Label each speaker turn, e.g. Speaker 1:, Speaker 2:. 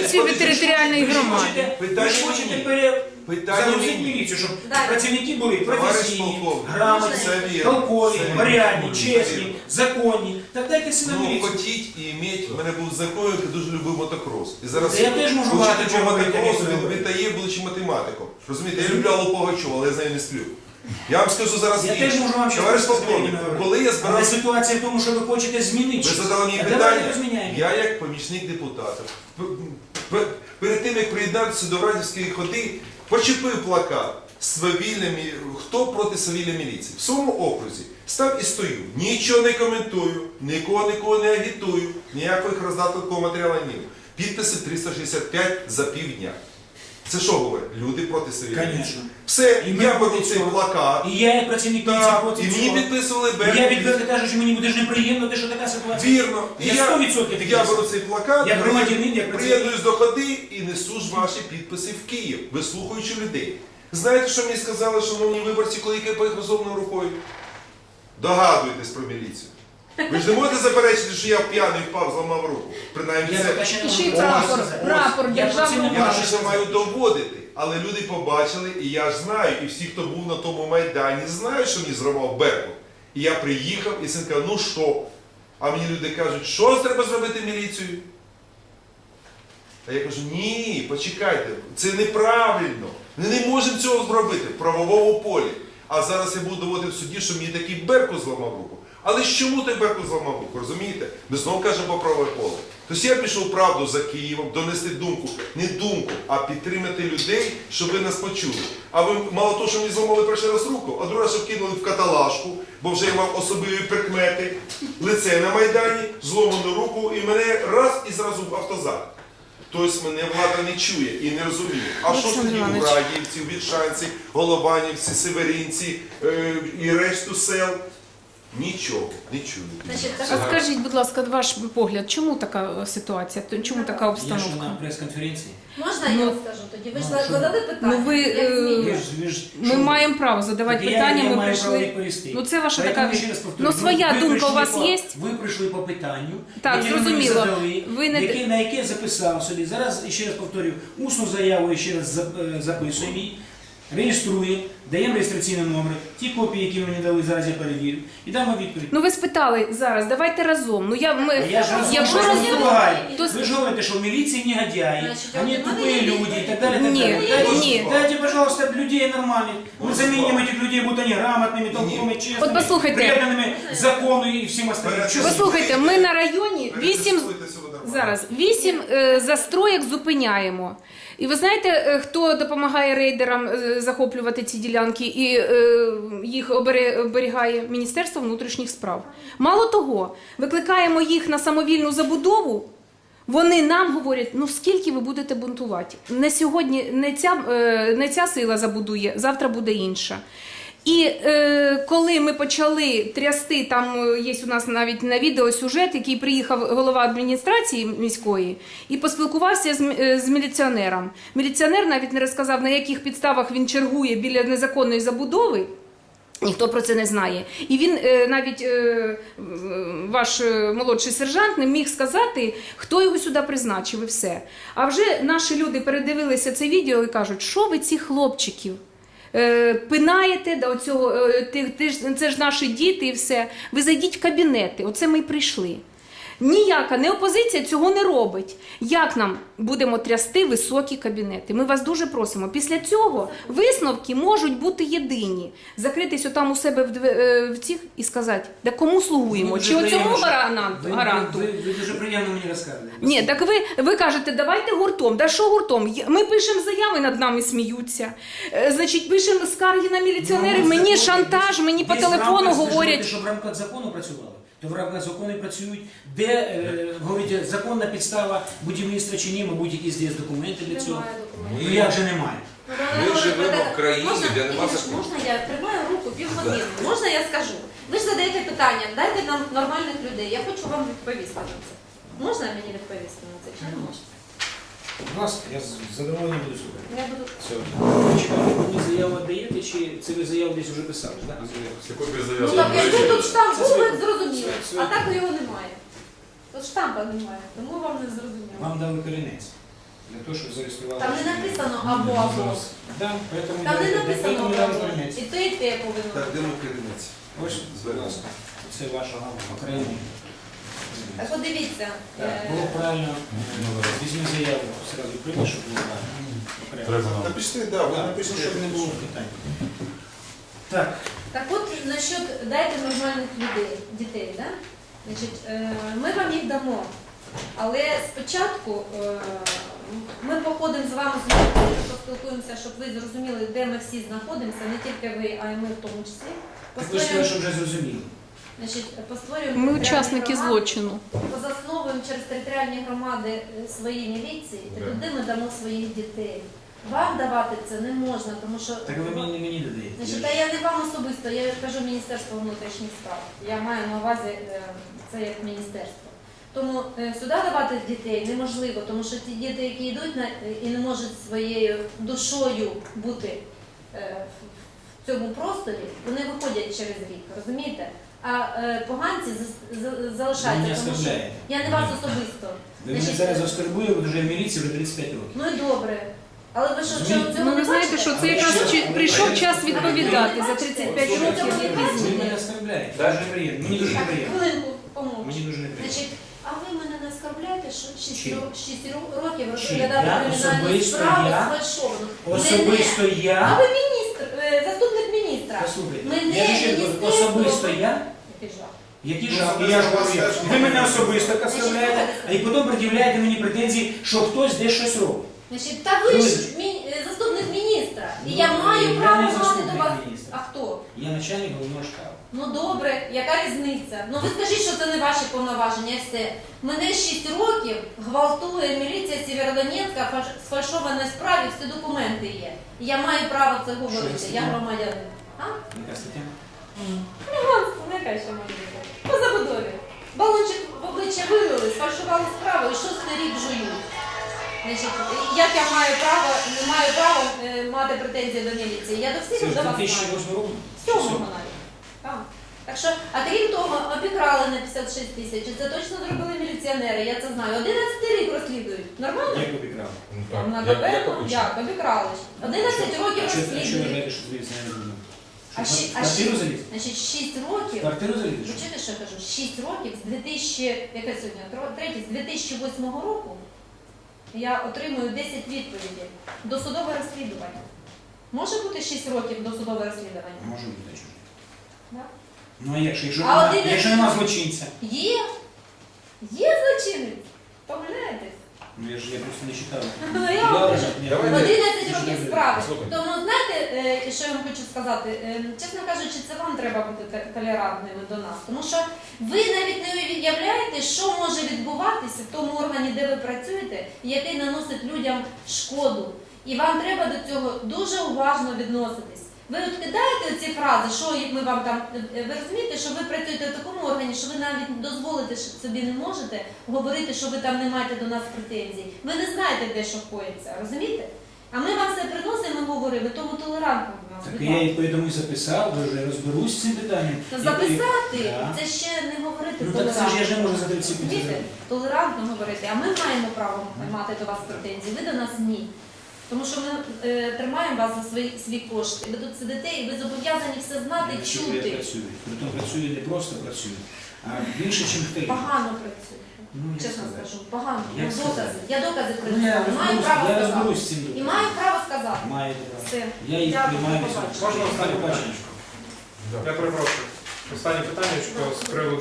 Speaker 1: міліцію територіальної громади.
Speaker 2: Ви ж хочете загрузити міліцію, щоб працівники були професійні, грамотні, толкові, порядні, чесні, законні. Так дайте сюди
Speaker 3: Ну,
Speaker 2: міліцію.
Speaker 3: хотіть і іметь, в мене був знайомий, який дуже любив мотокрос. І зараз
Speaker 2: Я теж можу багато
Speaker 3: вчитель
Speaker 2: чого
Speaker 3: мотокросу,
Speaker 2: говорити.
Speaker 3: він тає, будучи математиком. Розумієте, я люблю Аллу Пугачову, але я з нею не сплю. Я вам скажу зараз
Speaker 2: Я теж можу вам
Speaker 3: товариш
Speaker 2: щось
Speaker 3: полковник,
Speaker 2: говорити.
Speaker 3: коли я
Speaker 2: Але
Speaker 3: збирав...
Speaker 2: ситуація в тому, що ви хочете змінити.
Speaker 3: Ви задали мені
Speaker 2: Давайте
Speaker 3: питання,
Speaker 2: розміняємо.
Speaker 3: я як помічник депутата, перед тим, як приєднатися до Радівської ходи, почепив плакат «Хто проти свавілля міліції?» в своєму окрузі. Став і стою. Нічого не коментую, нікого не агітую, ніяких роздаткового матеріалу не маю. Підписи 365 за півдня. Це що говорить? Люди проти свавілля міліції. Все,
Speaker 2: І ми
Speaker 3: я беру
Speaker 2: проти
Speaker 3: цей
Speaker 2: цього.
Speaker 3: плакат.
Speaker 2: І я, як працівник міліції, проти
Speaker 3: І
Speaker 2: цього.
Speaker 3: мені підписували
Speaker 2: І я відверто кажу, що мені буде ж неприємно, те, що така ситуація.
Speaker 3: Вірно. І
Speaker 2: Я 100% такий
Speaker 3: я
Speaker 2: сам.
Speaker 3: беру цей плакат,
Speaker 2: Як громадянин, як
Speaker 3: приєднуюсь до ходи і несу ж ваші підписи в Київ, вислухаючи людей. Знаєте, що мені сказали, шановні виборці, коли я поїхав розумною рукою? Догадуйтесь про міліцію. Ви ж не можете заперечити, що я п'яний впав, зламав руку. Принаймні це.
Speaker 1: І ще й прапор державного
Speaker 3: Я ж це маю доводити. Але люди побачили, і я ж знаю, і всі, хто був на тому Майдані, знають, що мені зривав Беркут. І я приїхав, і син каже, ну що? А мені люди кажуть, що треба зробити міліцію? А я кажу, ні, почекайте, це неправильно. Ми не можемо цього зробити в правовому полі. А зараз я буду доводити в суді, що мені такий Беркут зламав руку. Але чому той Беркут зламав руку, розумієте? Ми знову кажемо про правове поле. Тобто я пішов правду за Києвом, донести думку, не думку, а підтримати людей, щоб ви нас почули. А ви мало того, що мені зламали перший раз руку, а другий раз, щоб кинули в каталажку, бо вже я мав особливі прикмети, лице на Майдані, зломану руку, і мене раз і зразу в автозак. Тобто мене влада не чує і не розуміє. А що ж тоді у Радіївці, у Вільшанці, Голованівці, Северинці і решту сел? Нічого, не чують.
Speaker 1: А скажіть, будь ласка, ваш погляд, чому така ситуація, чому така
Speaker 2: Я що
Speaker 1: обстановка?
Speaker 2: на прес-конференції.
Speaker 4: Можна я скажу тоді? Ви ж задали питання.
Speaker 1: Ну, ви,
Speaker 4: як змінювати?
Speaker 1: Ми маємо право задавати питання, ми прийшли. Ну це ваша така, ну своя думка у вас є?
Speaker 2: Ви прийшли по питанню,
Speaker 1: Так,
Speaker 2: яке ви мені
Speaker 1: зрозуміло.
Speaker 2: задали,
Speaker 1: Ви не...
Speaker 2: на яке записав собі. Зараз, ще раз повторюю, усну заяву ще раз записуємо її, реєструємо, даємо реєстраційний номер, ті копії, які мені дали, зараз я перевірю, і дамо відповідь.
Speaker 1: Ну ви спитали зараз, давайте разом. Ну
Speaker 2: Я ж
Speaker 1: якщо
Speaker 2: разом не допомагаю.
Speaker 1: то
Speaker 2: Ви ж говорите, що в міліції негодяї,
Speaker 4: Значить,
Speaker 2: вони
Speaker 4: от
Speaker 2: тупі
Speaker 4: вони
Speaker 2: люди і так далі.
Speaker 1: Ні, ні.
Speaker 2: Дайте, пожалуйста, людей нормальных. Мы заменим этих людей, будут они грамотными, толковыми, честными,
Speaker 1: От послухайте.
Speaker 2: преданными закону і всім остальним.
Speaker 1: Послухайте, ми на районі 8 застроєк зупиняємо. І ви знаєте, хто допомагає рейдерам захоплювати ці ділянки і їх оберігає? Міністерство внутрішніх справ. Мало того, викликаємо їх на самовільну забудову, вони нам говорять, ну скільки ви будете бунтувати? Не сьогодні, не ця сила забудує, завтра буде інша. І коли ми почали трясти, там є у нас навіть на відео сюжет, який приїхав голова адміністрації міської і поспілкувався з міліціонером. Міліціонер навіть не розказав, на яких підставах він чергує біля незаконної забудови. Ніхто про це не знає. І він, навіть ваш молодший сержант, не міг сказати, хто його сюди призначив і все. А вже наші люди передивилися це відео і кажуть, що ви цих хлопчиків пинаєте, до цього, це ж наші діти і все. Ви зайдіть в кабінети, оце ми й прийшли. Ніяка не опозиція цього не робить. Як нам будемо трясти високі кабінети? Ми вас дуже просимо. Після цього висновки можуть бути єдині. Закритись отам у себе в цих і сказати, да кому слугуємо? Чи оцьому гаранту?
Speaker 2: Ви дуже приємно мені розказуєте.
Speaker 1: Ні, так ви кажете, давайте гуртом. Да що гуртом? Ми пишемо заяви, над нами сміються. Значить, пишемо скарги на міліціонерів, мені шантаж, мені по телефону говорять.
Speaker 2: Щоб в рамках закону працювали. То в рамках закону працюють, де, говорите, законна підстава будівництва чи ні, мабуть, якісь є документи для цього. Ну як же немає?
Speaker 3: Ми живемо в країні, де немає закону.
Speaker 4: Можна я тримаю руку півгодини? Можна я скажу? Ви ж задаєте питання, дайте нам нормальних людей, я хочу вам відповісти на це. Можна мені відповісти на це чи не можна?
Speaker 2: Будь ласка, я з задоволенням буду слухати.
Speaker 4: Я буду...
Speaker 2: Чекайте, ви мені заяву віддаєте, чи це ви заяву десь вже писали?
Speaker 4: Ну так якби тут штамп був, ви б зрозуміли, а так його немає. Тут штампа немає, тому вам не зрозуміло.
Speaker 2: Вам дали корінець. Для того, щоб зареєстрували.
Speaker 4: Там не написано або.
Speaker 2: Да, поэтому
Speaker 4: Там не
Speaker 2: я-
Speaker 4: написано
Speaker 2: поэтому я
Speaker 4: або.
Speaker 2: розумію.
Speaker 4: І те повинно
Speaker 3: Так,
Speaker 4: бути.
Speaker 3: де ми керівниці?
Speaker 2: Ось, будь ласка, це ваша окрема.
Speaker 4: Так от дивіться,
Speaker 2: Так, було правильно. Візьми заяву, одразу прийми, щоб було правильно. Окремо.
Speaker 3: Напишіть, да, ви
Speaker 2: Так,
Speaker 3: напишіть.
Speaker 2: щоб не було питань. Так,
Speaker 4: так от насчет дайте нормальних людей, дітей, да? Значить, ми вам їх дамо, але спочатку ми походимо з вами з вулиці, поспілкуємося, щоб ви зрозуміли, де ми всі знаходимося, не тільки ви, а й ми в тому числі.
Speaker 2: так ви ж сказали, що вже зрозуміли.
Speaker 4: Значить, постворюємо
Speaker 1: Ми
Speaker 4: територіальні
Speaker 1: учасники
Speaker 4: громади,
Speaker 1: злочину.
Speaker 4: позасновуємо через територіальні громади свої міліції, і туди ми дамо своїх дітей. Вам давати це не можна, тому що
Speaker 2: Так ви мені не мені додаєте.
Speaker 4: значить, та я не вам особисто, я кажу Міністерство внутрішніх справ. Я маю на увазі це як міністерство. Тому сюди давати дітей неможливо, тому що ті діти, які йдуть і не можуть своєю душою бути в цьому просторі, вони виходять через рік, розумієте? А поганці
Speaker 2: Ви мене
Speaker 4: залишаються, тому що
Speaker 2: оскорбляєте.
Speaker 4: я не вас особисто.
Speaker 2: Ви мене
Speaker 4: Значить,
Speaker 2: зараз оскорбуєте, ви вже в міліції вже 35 років.
Speaker 4: Ну і добре. Але ви що,
Speaker 2: Розумієте?
Speaker 4: цього
Speaker 1: Ну,
Speaker 4: не
Speaker 1: ви знаєте,
Speaker 4: бачите?
Speaker 1: що це якраз прийшов час відповідати за 35 років, які
Speaker 2: Ви мене
Speaker 1: зміни.
Speaker 2: оскорбляєте. Дуже неприємно. Мені дуже
Speaker 4: Так,
Speaker 2: неприємно.
Speaker 4: хвилинку, помовчу.
Speaker 2: Мені дуже неприємно.
Speaker 4: Значить, а ви мене не оскорбляєте, що 6
Speaker 2: Чим?
Speaker 4: років
Speaker 2: Чим?
Speaker 4: розглядати
Speaker 2: Я
Speaker 4: кримінальну
Speaker 2: особисто
Speaker 4: справу
Speaker 2: я?
Speaker 4: сфальшовану?
Speaker 2: Особисто
Speaker 4: А
Speaker 2: я.
Speaker 4: ви міністр, заступник міністра.
Speaker 2: Послухайте,
Speaker 4: Мене
Speaker 2: я ще кажу,
Speaker 4: міністерство-
Speaker 2: особисто я.
Speaker 4: Який жах.
Speaker 2: Які
Speaker 3: Ну,
Speaker 2: ж
Speaker 3: особисто
Speaker 2: я ж
Speaker 3: вас
Speaker 2: говорю,
Speaker 3: теж
Speaker 2: ви мене особисто
Speaker 4: Значить,
Speaker 2: оскорбляєте,
Speaker 4: слухайте.
Speaker 2: а і потім пред'являєте мені претензії, що хтось десь щось робить.
Speaker 4: Значить, та ви ж заступник міністра. І я
Speaker 2: Ну,
Speaker 4: маю
Speaker 2: я
Speaker 4: право
Speaker 2: не
Speaker 4: мати до
Speaker 2: заступник
Speaker 4: вас.
Speaker 2: міністра.
Speaker 4: А хто?
Speaker 2: Я начальник головного штабу.
Speaker 4: Ну добре, яка різниця? Ну ви скажіть, що це не ваші повноваження, і все. Мене 6 років гвалтує міліція Сєвєродонецька в сфальшованій справі, всі документи є. І я маю право це говорити,
Speaker 2: Що
Speaker 4: я
Speaker 2: це?
Speaker 4: громадянин. А?
Speaker 2: Яка стаття?
Speaker 4: Хуліганство, не яка ще може бути. По забудові. Балончик в обличчя вилили, сфальшували справу і 6-й рік жують. Значить, як я маю право, не маю права мати претензії до міліції? Я до
Speaker 2: Це
Speaker 4: всіх
Speaker 2: ж
Speaker 4: до вас маю.
Speaker 2: 2008 року?
Speaker 4: Сьомого навіть. Так. Так що, а крім того, обікрали на 56 тисяч. І це точно зробили міліціонери, я це знаю. 11 рік розслідують. Нормально?
Speaker 2: Як обікрав?
Speaker 4: Там напевно, як обікрали. 11 років
Speaker 2: А що ви
Speaker 4: розслідують.
Speaker 2: вважаєте, що звідси не розумію?
Speaker 4: А
Speaker 2: Що,
Speaker 4: щі-
Speaker 2: в квартиру заліз?
Speaker 4: Значить, 6
Speaker 2: В
Speaker 4: років.
Speaker 2: квартиру заліз?
Speaker 4: Ви чуєте, що я кажу? 6 років з 2008 року я отримую 10 відповідей. Досудове розслідування. Може бути 6 років досудове розслідування?
Speaker 2: Може бути чужий.
Speaker 4: Да?
Speaker 2: Ну а якщо
Speaker 4: А
Speaker 2: нема,
Speaker 4: один-
Speaker 2: якщо нема злочинця?
Speaker 4: Є. Є злочинець. Помиляєтесь?
Speaker 2: Ну я просто не читав.
Speaker 4: Ну, я вам кажу.
Speaker 2: Ні,
Speaker 3: Давай.
Speaker 4: 11 років справи.
Speaker 3: Слухай.
Speaker 4: Тому знаєте, що я вам хочу сказати? Чесно кажучи, це вам треба бути толерантними до нас. Тому що ви навіть не уявляєте, що може відбуватися в тому органі, де ви працюєте, який наносить людям шкоду. І вам треба до цього дуже уважно відноситись. Ви от кидаєте ці фрази, що ми вам там. Ви розумієте, що ви працюєте в такому органі, що ви навіть дозволити собі не можете говорити, що ви там не маєте до нас претензій. Ви не знаєте, де що коїться, розумієте? А ми вам все приносимо і говоримо, ви тому толерантно.
Speaker 2: Так я і тому і записав, вже розберусь з цим питанням.
Speaker 4: Та
Speaker 2: Я
Speaker 4: записати,
Speaker 2: Да.
Speaker 4: це ще не говорити
Speaker 2: Ну так це ж я
Speaker 4: толерантно.
Speaker 2: ж не можу за 30 секунд
Speaker 4: Розумієте?
Speaker 2: зробити.
Speaker 4: Толерантно говорити, а ми маємо право мати до вас претензії, ви до нас ні. Тому що ми тримаємо вас за свій кошт, і ви тут сидите, і ви зобов'язані все знати,
Speaker 2: Я чую,
Speaker 4: чути.
Speaker 2: я працюю. Притом працюю не просто працюю, а більше, ніж хтось.
Speaker 4: Погано працюєте.
Speaker 2: Ну, як
Speaker 4: Чесно
Speaker 2: сказати?
Speaker 4: скажу, погано.
Speaker 2: Як
Speaker 4: Ну,
Speaker 2: сказати?
Speaker 4: докази. Я докази
Speaker 2: Ну,
Speaker 4: принесла. Маю право
Speaker 2: я
Speaker 4: сказати.
Speaker 2: розберусь з цим.
Speaker 4: І маю право сказати.
Speaker 2: Маєте право.
Speaker 4: Все.
Speaker 2: Я їх
Speaker 4: Дякую,
Speaker 2: приймаю.
Speaker 4: до побачення.
Speaker 5: Можна останнє
Speaker 2: До побачення.
Speaker 5: питання? Я перепрошую. Останнє питання з приводу